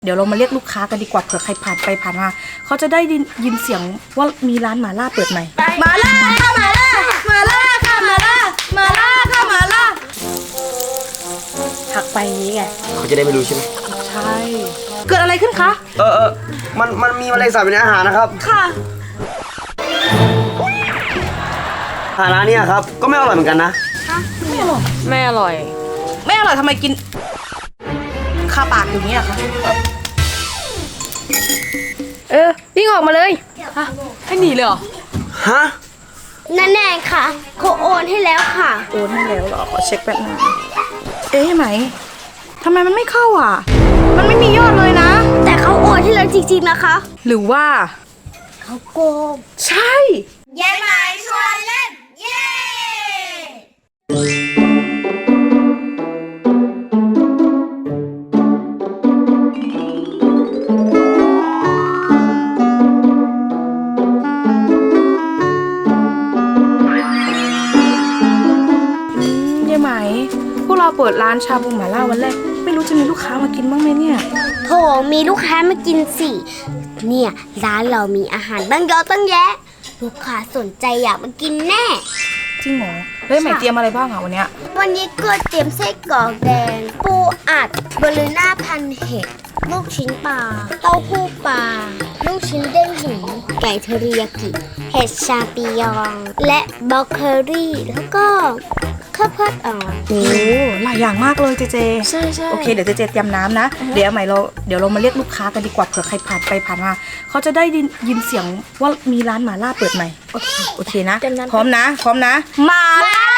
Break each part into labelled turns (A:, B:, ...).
A: เดี๋ยวเรามาเรียกลูกค้ากันดีกว่าเผื่อใครผ่านไปผ่านมาเขาจะได้ยินเสียงว่ามีร้านหม่าล่าเปิดใหม่หม่าล่าค่ะหม่าล่าหม่าล่าค่ะหม่าล่าหม่าล่าค่ะหม่าล่าถักไปนี้ไง
B: เขาจะได้ไม่รู้ใช่ไหม
A: ใช่เกิดอะไรขึ้นคะ
B: มันมีแมลงสาบในอาหารนะครับ
A: ค่ะ
B: อาหารร้านนี้ครับก็ไม่อร่อยเหมือนกันนะ
A: ไม่อร่อยไม่อร่อยไม่อร่อยทำไมกินคาปากอย่างนี้อะคะ
C: วิ่งออกมาเลย
A: ฮะให้หนีเลยเหรอ
B: ฮะ
C: นั่นแน่ค่ะเขาโอนให้แล้วค่ะ
A: โอนให้แล้วเหรอขอเช็คแป๊บนึงไหมทำไมมันไม่เข้าอ่ะมันไม่มียอดเลยนะ
C: แต่เขาโอนให้แล้วจริงๆนะคะ
A: หรือว่า
C: เขาโกง
A: ใช่
C: ยายหมายชวนเล่นเย้
A: พวกเราเปิดร้านชาบูหม่าล่าวันแรกไม่รู้จะมีลูกค้ามากินบ้างไหมเนี่ย
C: โถมีลูกค้ามากินสิเนี่ยร้านเรามีอาหารตั้งเยอะตั้งแยะลูกค้าสนใจอยากมากินแน่
A: จริงเหรอใหม่เตรียมอะไรบ้างอ่ะวันนี้
C: ก็เตรียมไส้กรอกแดงปูอัดบลูน่าพันเห็ดลูกชิ้นปลาเต้าหู้ปลาลูกชิ้นเด้งหินไก่เทอริยากิเห็ดชาปิยองและบล็อกเคอรี่แล้วก็ข้าวโพดอ่อน
A: โอ้หลายอย่างมากเลยเจ
C: ใช่
A: โอเคเดี๋ยวเจเตรียมน้ำนะเดี๋ยวเรามาเรียกลูกค้ากันดีกว่าเผื่อใครผ่านไปผ่านมาเขาจะได้ยินเสียงว่ามีร้านหม่าล่าเปิดใหม่โอเคนะพร้อมนะหม่าล่า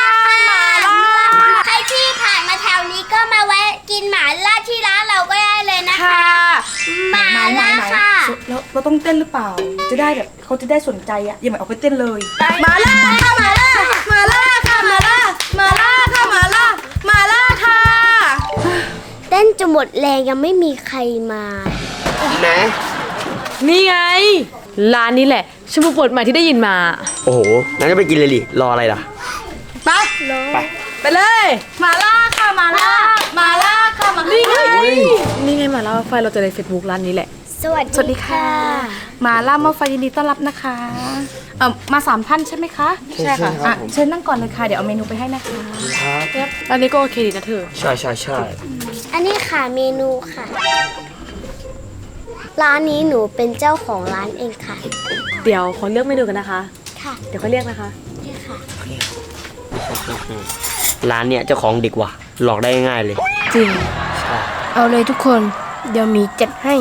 C: ใครที่ผ่านมาแถวนี้ก็มาแวะกินหม่าล่าที่ร้านเราก็ได้เลยนะคะหม่าล่าค่ะ
A: แล้วเราต้องเต้นหรือเปล่าจะได้แบบเขาจะได้สนใจอ่ะอย่าหมายเอาไปเต้นเลยหม่าล่าค่ะหม่าล่าหม่าล่าค่ะหม่าล่าหม่าล่าค่ะหม่าล่าหม่าล่าค่ะ
C: เต้นจนหมดแรงยังไม่มีใครมา
B: ไหน
D: นี่ไงร้านนี้แหละชมพูเปิดใหม่ที่ได้ยินมา
B: โอ้โหงั้นก็ไปกินเลยดิรออะไรล่ะ
A: ไปเลยหม่าล่าค่ะหม่าล่าหม่าล่าค่ะหม่าล่า
D: นี่ไงหม่าล่าไฟเราจะใน Facebook ร้านนี้แหละ
C: สวัสดีค่ะ
A: หม่าล่าหม้อไฟยินดีต้อนรับนะคะมา3 ท่านใช่ไหมคะ
B: ใช่ค่ะ
A: เชิญนั่งก่อนเลยค่ะเดี๋ยวเอาเมนูไปให้นะคะ
B: ครับ
D: ร้านนี้ก็โอเคดีนะเธอ
B: ใช่
C: อันนี้ค่ะเมนูค่ะร้านนี้หนูเป็นเจ้าของร้านเองค่ะ
D: เดี๋ยวขอเลือกเมนูกันนะคะ
C: ค่ะ
D: เดี๋ยวเขาเรียกนะคะ
C: นี่ค่ะ
B: ร้านเนี้ยเจ้าของเด็กว่ะหลอกได้ง่ายเลย
D: จริง
C: เอาเลยทุกคนเดี๋ยวมีจัดให้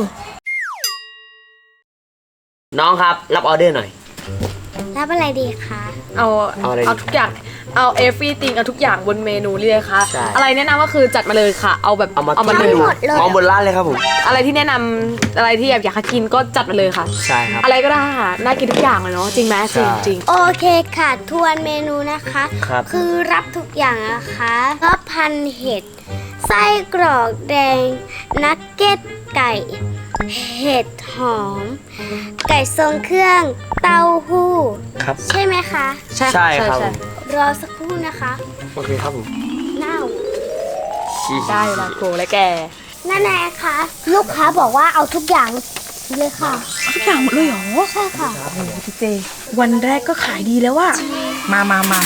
B: น้องครับรับออเดอร์หน่อย
C: รับอะไรดีคะ
D: เอาทุกอย่างเอา everything เอาทุกอย่างบนเมนูเลยค่ะอะไรแนะนำก็คือจัดมาเลยค่ะเอาแบบ
B: เอามาเลยมองบนร้านเลยครับผม
D: อะไรที่แนะนำอะไรที่อยากกินก็จัดมาเลยค่ะ
B: ใช่ครับ
D: อะไรก็ได้ค่ะน่ากินทุกอย่างเลยเนาะจริงไหมจริง
C: โอเคค่ะทวนเมนูนะคะคือรับทุกอย่างนะคะก็พันเห็ดไส้กรอกแดงนักเก็ตไก่เห็ดหอมไก่ทรงเครื่องเต้าหู้
B: ครับ
C: ใช่ไหมคะ
B: ใช่ครับ
C: รอสักครู่นะคะ
B: โอเคครับผม
C: เน่า
D: ได้ละโกและแก
C: นั่นแหละค่ะลูกค้าบอกว่าเอาทุกอย่างเลยค่ะ
A: ทุกอย่างหมดเลยเหรอ
C: ใช่ค่ะ
A: โอ้โหพี่เจวันแรกก็ขายดีแล้วว่ะมา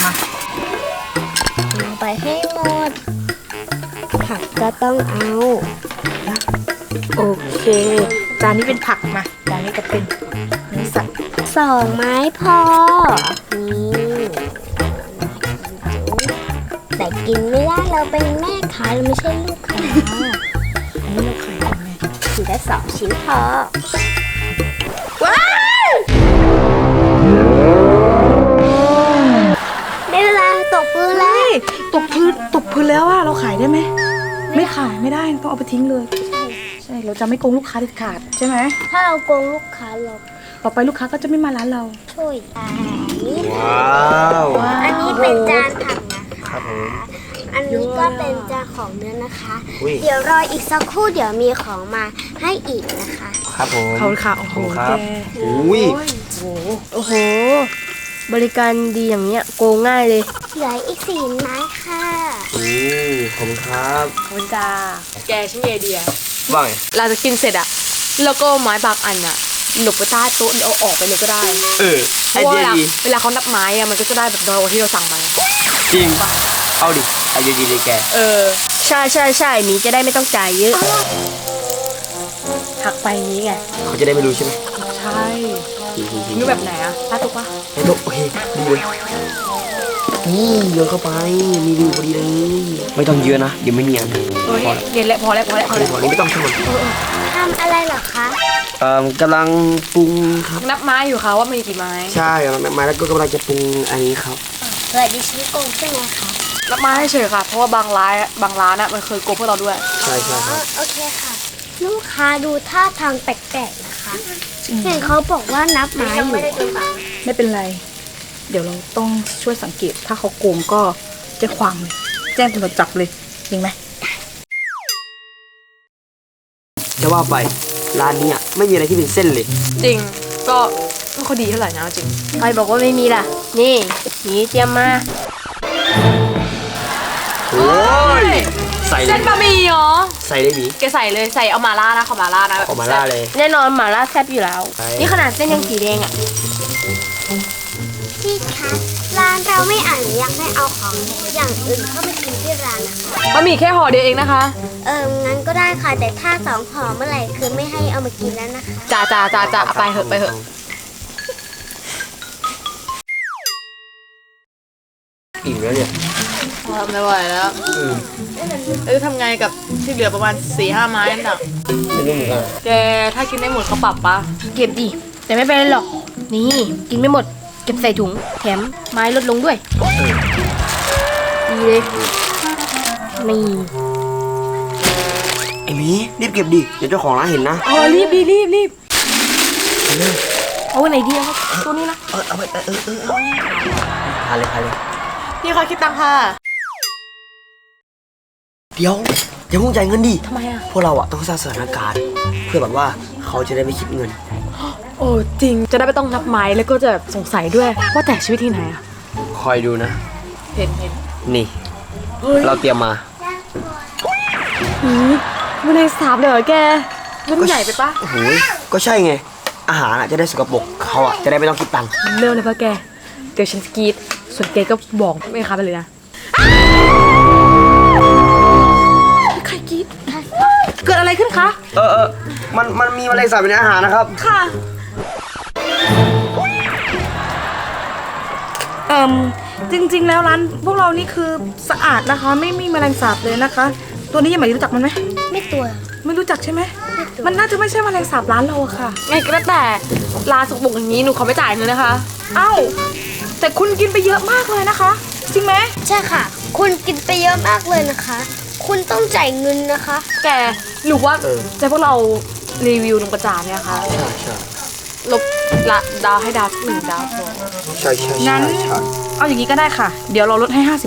C: เอาไปให้หมดผักก็ต้องเอา
A: โอเคจานนี้เป็นผักมาจานนี้ก็เป็นเนื้อสัตว์
C: 2 ไม้พอนี่แต่กินไม่ได้เราเป็นแม่ค้าเราไม่ใช่ลูกค้า
A: อันนี้เราขายยังไง
C: กินได้2 ชิ้นพอ
A: ว้าว
C: ได้เวลาตกพื้นแล้ว
A: ตกพื้นแล้วอะเราขายได้ไหมไม่ขายไม่ได้ต้องเอาไปทิ้งเลยใช่เราจะไม่โกงลูกค้าเด็ดขาดใช่ไหม
C: ถ้าเราโกงลูกค้าเรา
A: ต่อไปลูกค้าก็จะไม่มาร้านเรา
C: ช่วย
B: ว้าว
C: อันนี้เป็นจานผักนะคะอันนี้ก็เป็นจานของเนื้อนะคะเดี๋ยวรออีกสักครู่เดี๋ยวมีของมาให้อีกนะคะ
B: ครับผม
A: เขาค่ะโอ้โหแก
C: โอ้โหบริการดีอย่างเนี้ยโกงง่ายเลยเหลืออีก4 ไม้ค่ะ
B: ขอบคุณครับ
D: ขอบคุณจ้าแกชื่อไอเดีย
B: ว่าไง
D: เราจะกินเสร็จอะแล้วก็ไม้บางอันอะหลบไปใต้โต๊ะเอาออกไปเลยก็ได้
B: ไอ
D: เพราะ
B: เดีย
D: ว่า
B: ดี
D: เวลาเขานับไม้อะมันก็จะได้แบบน้อยกว่าที่เราสั่งไป
B: จริง เอาดิไอเดียดีเลยแก
C: ใช่หมีจะได้ไม่ต้องจ่ายเยอะ
D: หักไปนี้ไง
B: เขาจะได้ไม่รู้ใช่ไหม
D: ใช่นึกแบบไหนอะใต้โต๊ะปะ
B: ไอ้โต๊ะโอเคดีเลยนี่โยนเข้าไปมีวิวพอดีเลยไม่ต้องเยอะนะเดี๋ยวไม่เนียน
D: นี่เย็นแล้วพอแล้ว
B: พอนี้ไม่ต้องช่วย
C: ทำอะไรเหรอคะ
B: กำลังปรุงครับ
D: นับไม้อยู่ค่ะว่ามีกี่ไม้
B: ใช่มาแล้วก็กำลังจะปรุงอันนี้ครับ
C: สวัสดีชิโกงใช่ไหมคะ
D: นับไม้เฉยๆค่ะ เพราะว่าบางร้านอะมันเคยโกงพวกเราด้วย
B: ใช่ค
C: อ๋
B: รั
C: อบ โอเคค่ะ ลูกค้าดูท่าทางแปลกๆนะคะเห็นเขาบอกว่านับไม้อยู่
A: ไม่เป็นไร เดี๋ยวเราต้องช่วยสังเกต ถ้าเขาโกงก็แจ้งความเลยแจ้งตำรวจจับเลยจริงไหม
B: จะว่าไปร้านเนี้ไม่มีอะไรที่เป็นเส้นเลย
D: จริงก็ไม่ค่อยดีเท่าไหร่นะจริง
C: ใครบอกว่าไม่มีล่ะ นี่หมีเตรียมมา
B: โอ้ยใส่เล
D: เส้
B: ย
D: นบะหมี่เหรอ
B: ใส่เลยหมี
D: แกใส่เลยใส่เอามาล่านะขอมาล่านะ
B: ออกมาล่าเลย
C: แน่นอนหม่าล่าแซ่บอยู่แล้ว
B: ใช่
C: นี่ขนาดเส้นยังสีแดงอ่ะพี่คะร้านเราไม่อนุญาตให้เอาของอย่างอื่นเข้ามากินที่ร้านนะคะ
D: บะหมี่แค่ห่อเดียวเองนะคะ
C: งั้นก็ได้ค่ะ แต่ถ้า2ห่อเมื่อไหร่คือไม่ให้เอามากินแล้วนะคะ
D: จ้าเอาไปเหอะ
B: อิ่มแล้วเนี่ย
D: ไม่ไหวแล้วทำไงกับที่เหลือประมาณ 4-5 ไม้นั่นน่ะ
B: ไม่รู้เหมือนกัน
D: แกถ้ากินได้หมดเขาปรับปะ
C: เก็บดิ แต่ไม่เป็นไรหรอก นี่ กินไม่หมด เก็บใส่ถุง แถมไม้ลดลงด้วยดีเลยนี่
B: ไอ้หมีรีบเก็บดิเดี๋ยวเจ้าของร้านเห็นนะ
D: รีบ
C: เอาไหนดีครับตัวนี้นะ
B: เอาไปพาเลย
D: พี่เขาคิดตังค่ะ
B: เดี๋ยวอย่าเพุ่งจ่ายเงินดิ
D: ทำไมอะ
B: พวกเราอะต้องสร้างสถานการณ์เพื่อแบบว่าเขาจะได้ไม่คิดเงิน
D: โอ้จริงจะได้ไม่ต้องนับไม้แล้วก็จะสงสัยด้วยว่าแต่ชีวิตที่ไหนอะ
B: คอยดูนะ
D: เห็น
B: นี่ เราเตรียมมา
D: ไม่ได้สาบเลยเหรอแกมันใหญ่ไปปะ
B: โอ้โหก็ใช่ไง อาหารอะจะได้สกปรกเขาอะจะได้ไม่ต้องคิดตังค์
D: เร็วเลยปะแกเดี๋ยวฉันกรีดส่วนแกก็บอกไม่ค้าไปเลยนะใครกรีดเกิดอะไรขึ้นคะ
B: มันมีแมลงสาบอยู่ในอาหารนะครับ
D: ค่ะ
A: จริงๆแล้วร้านพวกเรานี่คือสะอาดนะคะ ไม่มีแมลงสาบเลยนะคะ ตัวนี้ยังไม่รู้จักมันไหม
C: ไม่ตัว
A: ไม่รู้จักใช่ไหมมันน่าจะไม่ใช่แมลงสาบร้านเราอะค่ะ
D: ไงก็แล้วแต่ลาสกปรกอย่างนี้หนูขอไม่จ่ายเงินนะคะ
A: เอ้าแต่คุณกินไปเยอะมากเลยนะคะ จริงไหม
C: ใช่ค่ะ คุณกินไปเยอะมากเลยนะคะ คุณต้องจ่ายเงินนะคะ
D: แกหรือว่า
B: เออ
D: จะพวกเรารีวิวลงประจานเนี่ยค่ะ
B: ใช่
D: ลบละดาวให้ดาว1 ดาวพอ
B: ใช่
A: งั้นเอาอย่างนี้ก็ได้ค่ะ เดี๋ยวเราลดให้ 50%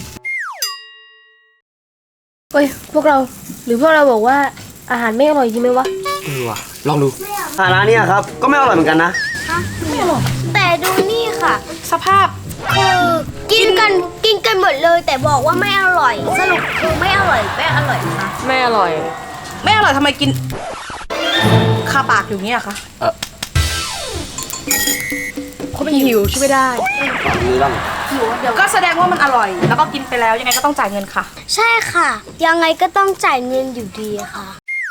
C: เฮ้ย พวกเรา หรือพวกเราบอกว่าอาหารไม่อร่อยจริงไหมวะ
B: ว่ะลองดูร้านเนี้ยครับก็ไม่อร่อยเหมือนกันนะ
C: แต่ดูนี่ค่ะ
A: สภาพ
C: คือกินกันหมดเลย แต่บอกว่าไม่อร่อย สรุปคือไม่อร่อยค่ะ
D: ไม่อร่อย
A: ไม่อร่อยทำไมกินคาปากอยู่เงี้ยคะ
D: เขาเป็นหิวช่วยไม่ได้
B: มีบ้าง
A: ก็แสดงว่ามันอร่อย แล้วก็กินไปแล้วยังไงก็ต้องจ่ายเงินค่ะ
C: ใช่ค่ะ ยังไงก็ต้องจ่ายเงินอยู่ดีค่ะ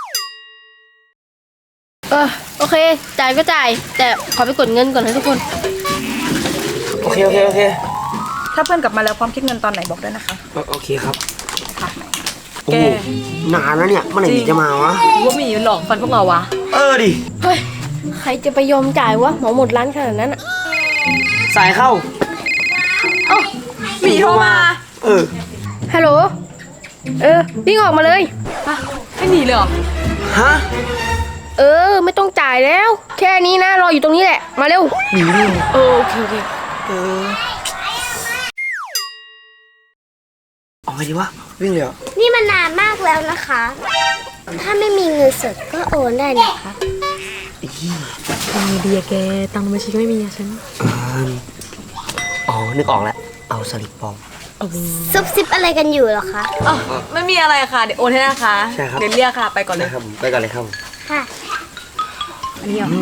C: โอเค จ่ายก็จ่าย แต่ขอไปกดเงินก่อนนะทุกคน
B: โอเค
A: ถ้าเพื่อนกลับมาแล้วพร้อมคิดเงินตอนไหนบอกด้วยนะคะ
B: โอเคครับ
A: ค่ะ
B: โอ้โหนานแล้วเนี่ยเมื่อไหร่หมีจะมาวะ
D: ว่ามีหลอกฟันพวกเราวะ
B: ดิ
C: เฮ้ย ใครจะไปยอมจ่ายวะหมอหมดร้านขนาดนั้นอะ
B: สายเข้า
D: หมีโทรมา
C: ฮัลโหล วิ่งออกมาเลย
D: ไม่หนีเลยเหรอ
B: ฮะ
C: ไม่ต้องจ่ายแล้ว แค่นี้นะ รออยู่ตรงนี้แหละ มาเร็ว
B: หนีเลย
D: โอเค
B: เอาไงดีวะวิ่งเลยเหรอ
C: นี่มันนานมากแล้วนะคะ ถ้าไม่มีเงินสดก็โอนได้นะคะ
D: ตังค์ดีอะแก ตังค์ในบัญชีก็ไม่มีอะฉัน
B: อ๋อนึกออกแล้วเอาสลิปปลอม
C: ซุบซิบอะไรกันอยู่เหรอคะ
D: อ๋อไม่มีอะไรค่ะ เดี๋ยวโอนให้นะคะ
B: ใช่ครับ
D: เดี๋ยวเรียกค่ะ ไปก่อนเล
B: ได้
D: ย
B: ครับผมไปก่อนเลยครับผม
C: ค่ะ
D: อันนี้เหรอ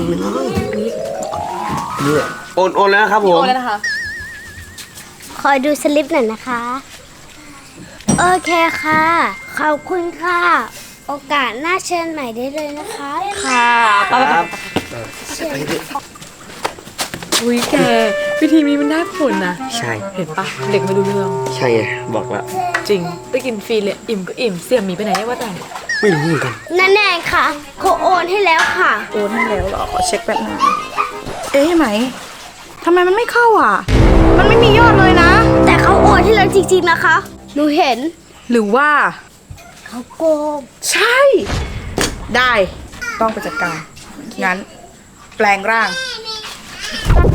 B: นี่โอนแล้วนะครับผม
D: โอนแล้วนะคะ
C: ขอดูสลิปหน่อยนะคะ โอเคค่ะ ขอบคุณค่ะ โอกาสหน้าเชิญใหม่ได้เลยนะคะ
D: ค่ะไป
B: ครับ
D: อุ้ยแกวิธีนี้มันได้ผลนะ
B: ใช่
D: เห็นปะเด็กไม่รู้เรื่อง
B: ใช่ไงบอกแล้ว
D: จริง ได้กินฟรีเลย อิ่มก็อิ่ม เสี่ยหมีไปไหนเนี่ยว่าแต่
B: ไม่รู้เหมือนกัน
C: นั่นแน่ค่ะเขาโอนให้แล้วค่ะ
A: โอนให้แล้วเหรอขอเช็คแป๊บนึงเอ๊ะไหมทำไมมันไม่เข้าอ่ะ มันไม่มียอดเลยนะ
C: แต่เขาโอนให้แล้วจริงๆนะคะ หนูเห็น
A: หรือว่า
C: เขาโกง
A: ใช่ ได้ต้องไปจัดการงั้น แปลงร่าง